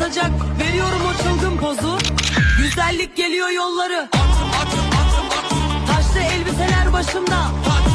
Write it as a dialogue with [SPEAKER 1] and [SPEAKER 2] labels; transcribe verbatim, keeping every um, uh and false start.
[SPEAKER 1] atacak. Veriyorum o çılgın pozu. Güzellik geliyor yolları. Taşlı elbiseler başımda.